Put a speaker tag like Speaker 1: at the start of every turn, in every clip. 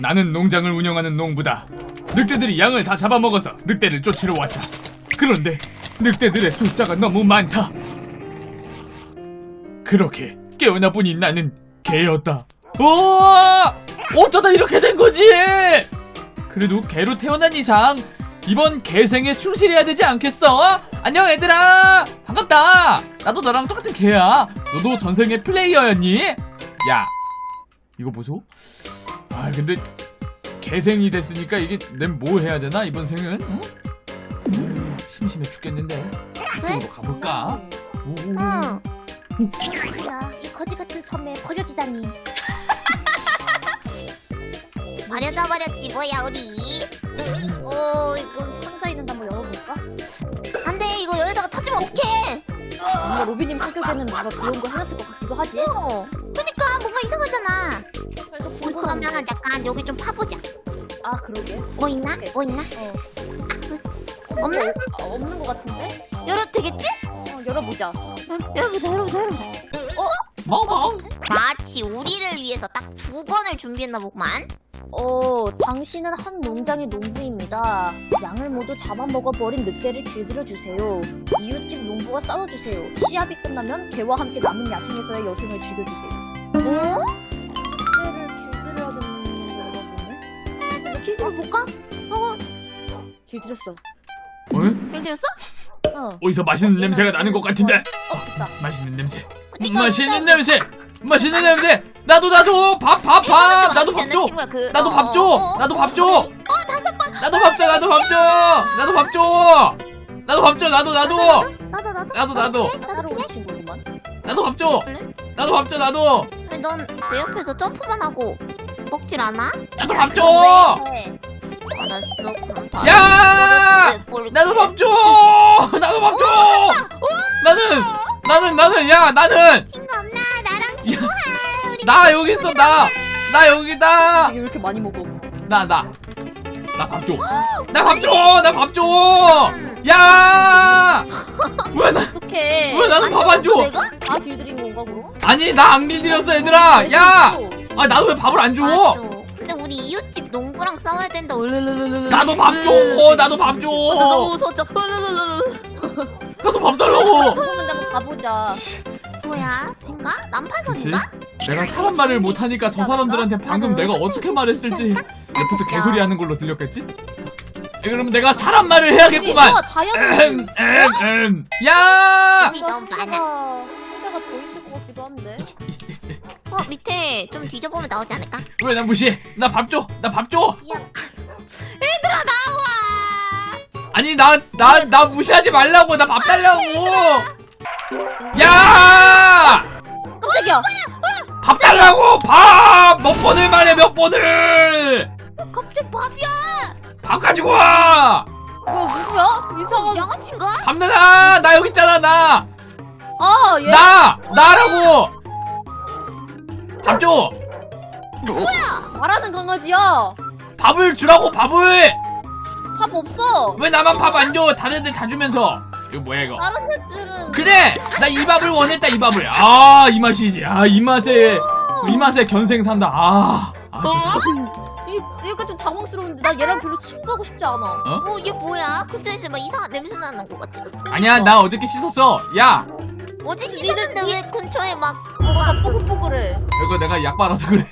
Speaker 1: 나는 농장을 운영하는 농부다. 늑대들이 양을 다 잡아먹어서 늑대를 쫓으러 왔다. 그런데 늑대들의 숫자가 너무 많다. 그렇게 깨어나 보니 나는 개였다. 어쩌다 이렇게 된 거지? 그래도 개로 태어난 이상 이번 개생에 충실해야 되지 않겠어? 안녕 얘들아, 반갑다. 나도 너랑 똑같은 개야. 너도 전생에 플레이어였니? 야, 이거 보소. 아 근데 개생이 됐으니까 이게 난 뭐 해야 되나 이번 생은? 응? 심심해 죽겠는데. 이쪽으로 가볼까?
Speaker 2: 야, 이 거지 같은 섬에 버려지다니. 버려져 버렸지 뭐야 우리. 이거 상자 있는데 한번 열어볼까? 안돼, 이거 열다가 터지면 어떡해. 뭔가 로비님 성격에는 뭔가 그런 거 해놨을 것 같기도 하지. 그니까 뭔가 이상하잖아. 그러면 약간 여기 좀 파보자. 아 그러게. 뭐 있나? 오케이. 뭐 있나? 없나? 없는 것 같은데? 열어도 되겠지? 열어보자. 열어보자.
Speaker 1: 멍멍.
Speaker 2: 마치 우리를 위해서 딱 2권을 준비했나 보구만. 당신은 한 농장의 농부입니다. 양을 모두 잡아먹어버린 늑대를 길들여주세요. 이웃집 농부와 싸워주세요. 시합이 끝나면 개와 함께 남은 야생에서의 여생을 즐겨주세요. 늑대를 길들여야 되는 건가 보네? 길들여볼까? 길들였어. 길들였어?
Speaker 1: 어디서 맛있는 냄새가 나는 것 같은데.
Speaker 2: 됐다.
Speaker 1: 맛있는 냄새. 맛있는 냄새. 나도 밥. 나도 밥 줘. 나도 밥 줘. 나도 밥 줘.
Speaker 2: 5번.
Speaker 1: 나도 밥 줘. 나도 밥 줘. 나도 밥 줘. 나도.
Speaker 2: 나도 우리 친구구만.
Speaker 1: 나도 밥 줘. 나도 밥 줘. 나도.
Speaker 2: 왜 넌 내 옆에서 점프만 하고 먹질 않아?
Speaker 1: 나도 밥 줘.
Speaker 2: 알았어, 그럼 다.
Speaker 1: 야! 나도 밥 줘. 나도 밥 줘. 나는 야, 나는
Speaker 2: 친구 없나? 나랑 친구해. 우리
Speaker 1: 나 여기 있어. 나 여기다.
Speaker 2: 왜 이렇게 많이 먹어?
Speaker 1: 나 밥 줘. 나 밥 줘. 야!
Speaker 2: 어떡해.
Speaker 1: 왜 나는 밥 안 줘?
Speaker 2: 내가? 다 길들인 건가 그럼?
Speaker 1: 아니 나 안 길들였어 얘들아. 야! 아 나도 왜 밥을 안 줘?
Speaker 2: 맞아. 근데 우리 이웃집 농부랑 싸워야 된다.
Speaker 1: 나도 밥 줘. 나도 밥 줘.
Speaker 2: 너무 무서웠죠.
Speaker 1: 나도 밥 달라고.
Speaker 2: 그러면 내가 가보자. 뭐야? 벤가? 난파선인가?
Speaker 1: 내가 사람 말을 못하니까 저 사람들한테 방금 내가 어떻게 말했을지 옆에서 개소리 하는 걸로 들렸겠지? 그러면 내가 사람 말을 해야겠구만. 야!
Speaker 2: 너무 많아.
Speaker 3: 상자가 더 있을 것 같기도 한데.
Speaker 2: 밑에 좀 뒤져보면 나오지 않을까?
Speaker 1: 왜 나 무시해? 나 밥 줘.
Speaker 2: 얘들아 나와.
Speaker 1: 아니 나 무시하지 말라고. 나 밥 달라고. 야!
Speaker 3: 깜짝이야.
Speaker 1: 밥 달라고. 밥 몇 번을 말해. 몇 번을.
Speaker 2: 갑자기 밥이야.
Speaker 1: 밥 가지고 와.
Speaker 3: 뭐야 누구야? 이상한.
Speaker 2: 양아치인가?
Speaker 1: 밥 내놔. 나 여기 있잖아. 나.
Speaker 3: 얘.
Speaker 1: 나라고. 밥 줘.
Speaker 2: 뭐야?
Speaker 3: 말하는 강아지야.
Speaker 1: 밥을 주라고. 밥을.
Speaker 3: 밥 없어.
Speaker 1: 왜 나만 밥 안 줘? 다른 애들 다 주면서. 이거 뭐야 이거?
Speaker 3: 다른 애들은.
Speaker 1: 그래. 나 이 밥을 원했다. 이 밥을. 이 맛이지. 이 맛에 견생 산다.
Speaker 3: 얘가 좀 당황스러운데 나 얘랑 별로 친구하고 싶지 않아.
Speaker 2: 얘 뭐야? 근처에서 막 이상한 냄새 나는 것 같아.
Speaker 1: 아니야 나 어저께 씻었어. 야
Speaker 2: 어제 씻었는데 왜 근처에 막
Speaker 3: 뭐가 뽀글뽀글해.
Speaker 1: 이거 내가 약 발라서 그래.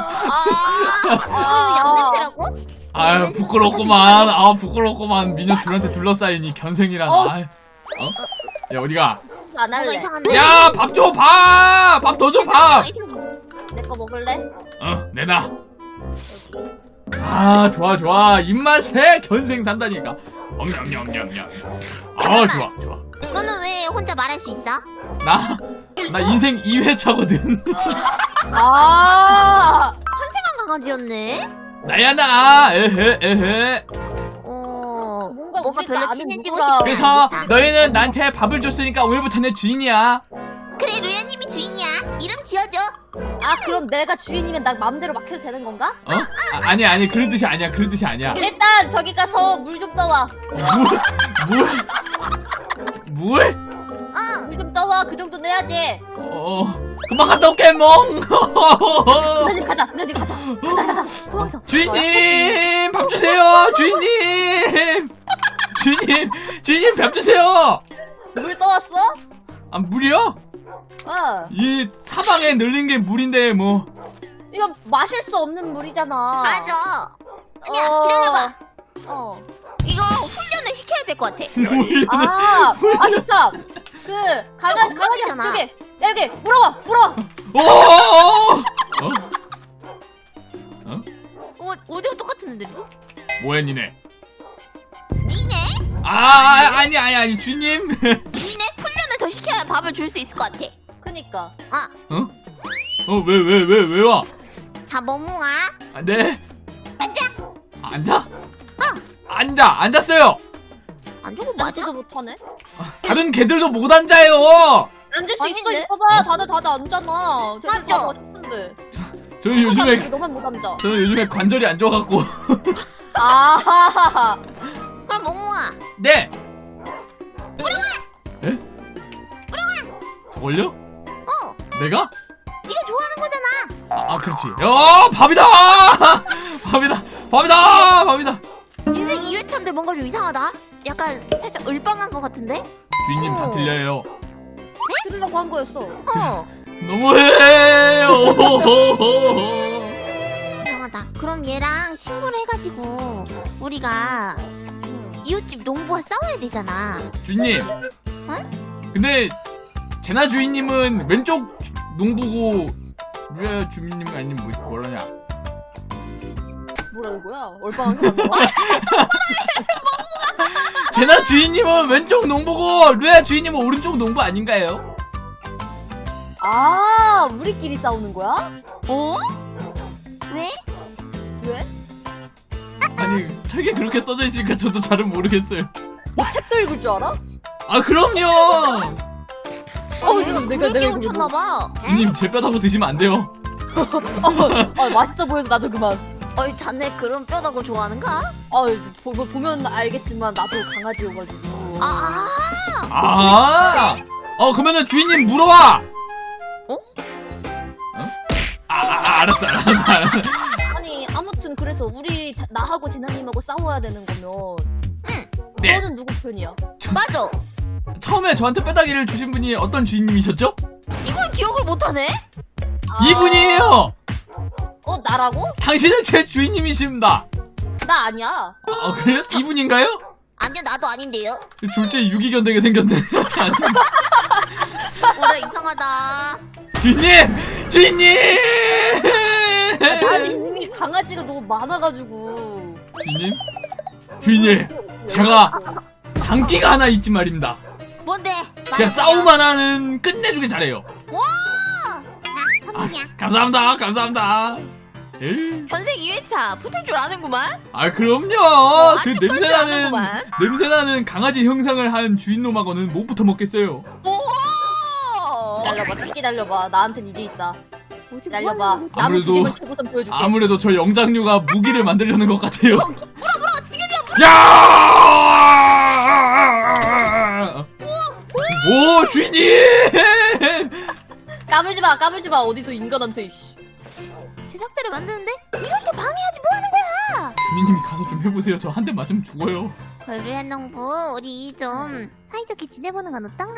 Speaker 2: 양냄새라고?
Speaker 1: 아유 부끄럽구만. 부끄럽구만. 미녀 둘한테 둘러싸인 이 견생이란. 야 어디가?
Speaker 3: 안
Speaker 2: 뭔가
Speaker 3: 할래.
Speaker 2: 이상한데?
Speaker 1: 야 밥 줘. 밥 더 줘. 밥.
Speaker 3: 내 거 먹을래?
Speaker 1: 내놔. 좋아. 입맛에 견생 산다니까. 엄냠냠냠냠. 좋아.
Speaker 2: 너는 왜 혼자 말할 수 있어?
Speaker 1: 나 인생 2회차거든.
Speaker 2: 한생한 강아지였네?
Speaker 1: 나야 나. 에헤.
Speaker 2: 뭔가 별로
Speaker 3: 우리가
Speaker 2: 친해지고
Speaker 3: 아는
Speaker 2: 싶지
Speaker 1: 그래서
Speaker 2: 않다.
Speaker 1: 너희는 나한테 밥을 줬으니까 오늘부터 내 주인이야.
Speaker 2: 그래, 루야님이 주인이야. 이름 지어줘.
Speaker 3: 그럼 내가 주인이면 나 마음대로 막 해도 되는 건가?
Speaker 1: 아니 그런 뜻이 아니야.
Speaker 3: 일단 저기 가서 물 좀 떠와.
Speaker 1: 물?
Speaker 2: 응.
Speaker 3: 물 좀 떠와. 그 정도는 해야지.
Speaker 1: 금방 갔다 올게 멍.
Speaker 3: 누나님 가자. 누나님 가자. 가자. 도망쳐.
Speaker 1: 주인님 밥 주세요. 주인님 밥 주세요.
Speaker 3: 물 떠왔어?
Speaker 1: 아 물이요?
Speaker 3: 어.
Speaker 1: 이 사방에 늘린 게 물인데 뭐.
Speaker 3: 이거 마실 수 없는 물이잖아.
Speaker 2: 맞아. 아니야,
Speaker 3: 어.
Speaker 2: 기다려봐.
Speaker 3: 어.
Speaker 2: 이거 훈련을 시켜야 될 것 같아.
Speaker 3: 아 진짜. 그 강아지
Speaker 2: 엉망이잖아.
Speaker 3: 여기 물어봐.
Speaker 1: 오.
Speaker 2: 어디가 똑같은 애들이지?
Speaker 1: 뭐야 니네?
Speaker 2: 니네?
Speaker 1: 아니 주인님.
Speaker 2: 니네 훈련을 더 시켜야 밥을 줄 수 있을 것 같아.
Speaker 3: 그니까.
Speaker 1: 왜 와?
Speaker 2: 자, 멍멍아.
Speaker 1: 아, 네.
Speaker 2: 앉아.
Speaker 1: 앉아? 앉았어요.
Speaker 2: 안 주고 맞아?
Speaker 3: 앉지도 못하네.
Speaker 1: 다른 개들도 못 앉아요.
Speaker 3: 앉을 수
Speaker 2: 아닌데?
Speaker 3: 있어봐. 다들 앉잖아.
Speaker 2: 맞아.
Speaker 3: 다 맛있는데.
Speaker 1: 저는 요즘에
Speaker 3: 너만 못 앉아.
Speaker 1: 관절이 안 좋아갖고.
Speaker 3: 아.
Speaker 2: 그럼 멍멍아.
Speaker 1: 네. 에? 저걸요? 내가?
Speaker 2: 네가 좋아하는 거잖아.
Speaker 1: 그렇지. 밥이다. 밥이다.
Speaker 2: 인생 2회차인데 뭔가 좀 이상하다. 약간 살짝 을빵한 것 같은데?
Speaker 1: 주인님 다 들려요.
Speaker 3: 들으려고 한 거였어.
Speaker 1: 너무해요.
Speaker 2: 이상하다. 그럼 얘랑 친구를 해가지고 우리가 이웃집 농부와 싸워야 되잖아.
Speaker 1: 주인님. 근데 제나 주인님은 왼쪽 농부고 류야 주인님 아니면 뭐라냐?
Speaker 3: 뭐라는 거야? 얼빵한 게 맞나?
Speaker 1: 제나 주인님은 왼쪽 농부고 류야 주인님은 오른쪽 농부 아닌가요?
Speaker 3: 아, 우리끼리 싸우는 거야?
Speaker 2: 왜?
Speaker 3: 왜?
Speaker 1: 아니 책에 그렇게 써져 있으니까 저도 잘은 모르겠어요.
Speaker 3: 너 책도 읽을 줄 알아?
Speaker 1: 그럼요.
Speaker 2: 얘가 그렇게 훔쳤나봐.
Speaker 1: 주인님 제 뼈다고 드시면 안 돼요.
Speaker 3: 맛있어 보여서 나도 그만.
Speaker 2: 자네 그런 뼈다고 좋아하는가?
Speaker 3: 보면 알겠지만 나도 강아지여가지고.
Speaker 1: 그러면은 주인님 물어와.
Speaker 2: 어?
Speaker 1: 알았어.
Speaker 3: 아니 아무튼 그래서 나하고 제나님하고 싸워야 되는 거면
Speaker 1: 네.
Speaker 3: 너는 누구 편이야?
Speaker 2: 맞아.
Speaker 1: 처음에 저한테 뼈다귀를 주신 분이 어떤 주인님이셨죠?
Speaker 2: 이걸 기억을 못하네?
Speaker 1: 이분이에요.
Speaker 3: 나라고?
Speaker 1: 당신은 제 주인님이십니다.
Speaker 3: 나 아니야.
Speaker 1: 그래요? 이분인가요?
Speaker 2: 아니요, 나도 아닌데요.
Speaker 1: 졸지에 유기견 되게 생겼네.
Speaker 2: 뭐라 이상하다.
Speaker 1: 주인님!
Speaker 3: 아니 이미 강아지가 너무 많아가지고.
Speaker 1: 주인님, 제가 장기가 하나 있지 말입니다.
Speaker 2: 뭔데?
Speaker 1: 제가 싸움만 하는 끝내주게 잘해요.
Speaker 2: 선물이야.
Speaker 1: 감사합니다. 에이.
Speaker 2: 현생 2회차 붙을 줄 아는구만.
Speaker 1: 그럼요. 그
Speaker 2: 아직 걸 줄 아는구만.
Speaker 1: 냄새나는 강아지 형상을 한 주인놈하고는 못 붙어 먹겠어요.
Speaker 3: 기다려봐, 기다려봐. 나한텐 이게 있다. 기다려봐. 나무
Speaker 1: 아무래도-
Speaker 3: 두 개만 초보선 보여줄게.
Speaker 1: 아무래도 저 영장류가 무기를 만들려는 것 같아요.
Speaker 2: 물어 지금이야.
Speaker 1: 야! 오, 주인님!
Speaker 3: 까불지 마. 어디서 인간한테. 이씨.
Speaker 2: 제작대를 만드는데 이렇게 방해하지 뭐 하는 거야?
Speaker 1: 주인님이 가서 좀 해보세요. 저 한 대 맞으면 죽어요.
Speaker 2: 류한 농부, 우리 좀 사이좋게 지내보는 건 어떤가?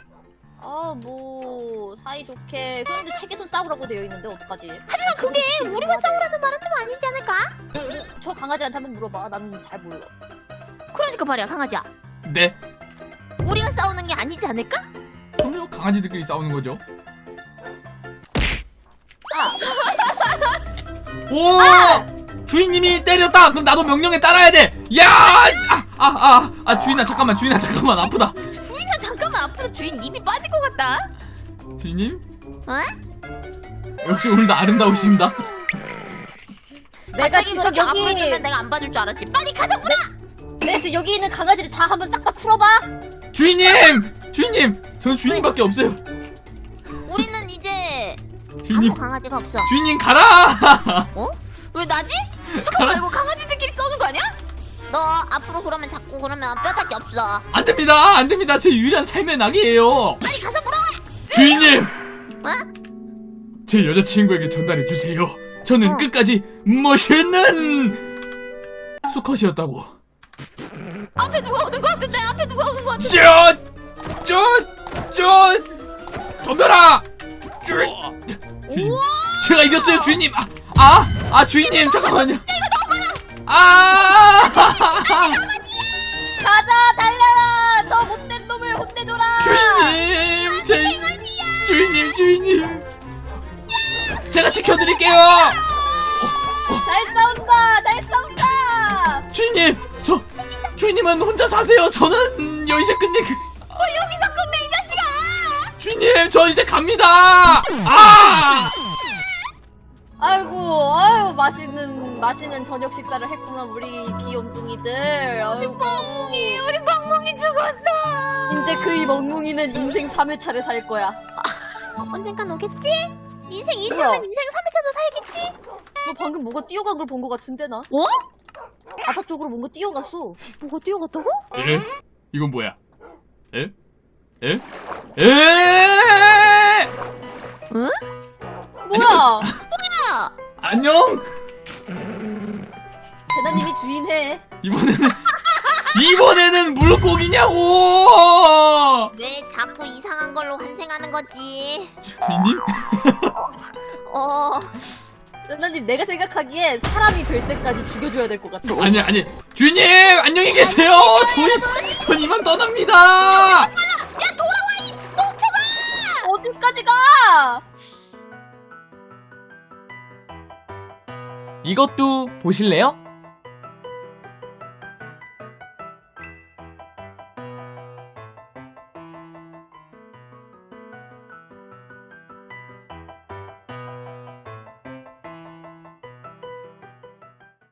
Speaker 3: 뭐 사이좋게. 그런데 책에선 싸우라고 되어 있는데 어떡하지?
Speaker 2: 하지만 그게 우리가 싸우라는 말은 좀 아니지 않을까?
Speaker 3: 저 강아지한테 한번 물어봐. 나는 잘 몰라.
Speaker 2: 그러니까 말이야, 강아지야.
Speaker 1: 네.
Speaker 2: 우리가 싸우는 게 아니지 않을까?
Speaker 1: 그럼요. 강아지들끼리 싸우는 거죠. 오! 주인님이 때렸다. 그럼 나도 명령에 따라야 돼. 야! 주인아 잠깐만. 아프다.
Speaker 2: 주인아 잠깐만, 아프다. 주인 입이 빠질 것 같다.
Speaker 1: 주인님?
Speaker 2: 어?
Speaker 1: 역시 오늘도 아름다우십니다.
Speaker 3: 내가 지금
Speaker 2: 그렇게
Speaker 3: 여기
Speaker 2: 아프면 내가 안 봐줄 줄 알았지. 빨리 가자, 물어.
Speaker 3: 내가 지금 여기 있는 강아지들 다 한번 싹 다 풀어봐.
Speaker 1: 주인님! 저는 주인님밖에 없어요.
Speaker 2: 우리는 이제
Speaker 1: 주인님,
Speaker 2: 아무 강아지가 없어.
Speaker 1: 주인님 가라!
Speaker 2: 왜 나지? 잠깐만, 이거 강아지들끼리 싸우는 거 아니야? 너 앞으로 그러면 자꾸 그러면 뼈다귀 없어.
Speaker 1: 안 됩니다. 제 유일한 삶의 낙이에요.
Speaker 2: 빨리 가서 물어봐.
Speaker 1: 주인님! 제 여자친구에게 전달해 주세요. 저는 끝까지 멋있는 수컷이었다고.
Speaker 2: 앞에 누가 오는 거 같은데? 앞에 누가 오는 거 같은데?
Speaker 1: 덤벼라! 주인님, 제가 이겼어요, 주인님. 주인님, 잠깐만요.
Speaker 3: 가자 달려라. 저 못된 놈을 혼내줘라.
Speaker 1: 주인님. 제가 지켜드릴게요.
Speaker 3: 잘 싸운다.
Speaker 1: 주인님, 주인님은 혼자 사세요. 저는 여기서 끝내.
Speaker 2: 여기서 끝내 이 자식아!
Speaker 1: 주인님, 저 이제 갑니다.
Speaker 3: 아이고 맛있는 저녁 식사를 했구나 우리 귀염둥이들.
Speaker 2: 우리 멍멍이 죽었어.
Speaker 3: 이제 그 멍뭉이는 인생 3회차를 살 거야.
Speaker 2: 언젠간 오겠지? 인생 2차면
Speaker 3: 뭐야?
Speaker 2: 인생 3회차도 살겠지?
Speaker 3: 너 방금 뭐가 뛰어간 걸 본 거 같은데 나? 바다 쪽으로 뭔가 뛰어갔어.
Speaker 2: 뭐가 뛰어갔다고?
Speaker 1: 에? 이건 뭐야? 에?
Speaker 2: 응?
Speaker 3: 뭐야?
Speaker 1: 안녕.
Speaker 3: 제나님이 주인해.
Speaker 1: 이번에는 물고기냐고.
Speaker 2: 왜 자꾸 이상한 걸로 환생하는 거지?
Speaker 1: 주인님?
Speaker 3: 제나님 내가 생각하기에 사람이 될 때까지 죽여줘야 될 것 같아.
Speaker 1: 아니 주인님 안녕히 계세요. 전 이만 떠납니다.
Speaker 3: 어디까지 가?
Speaker 1: 이것도 보실래요?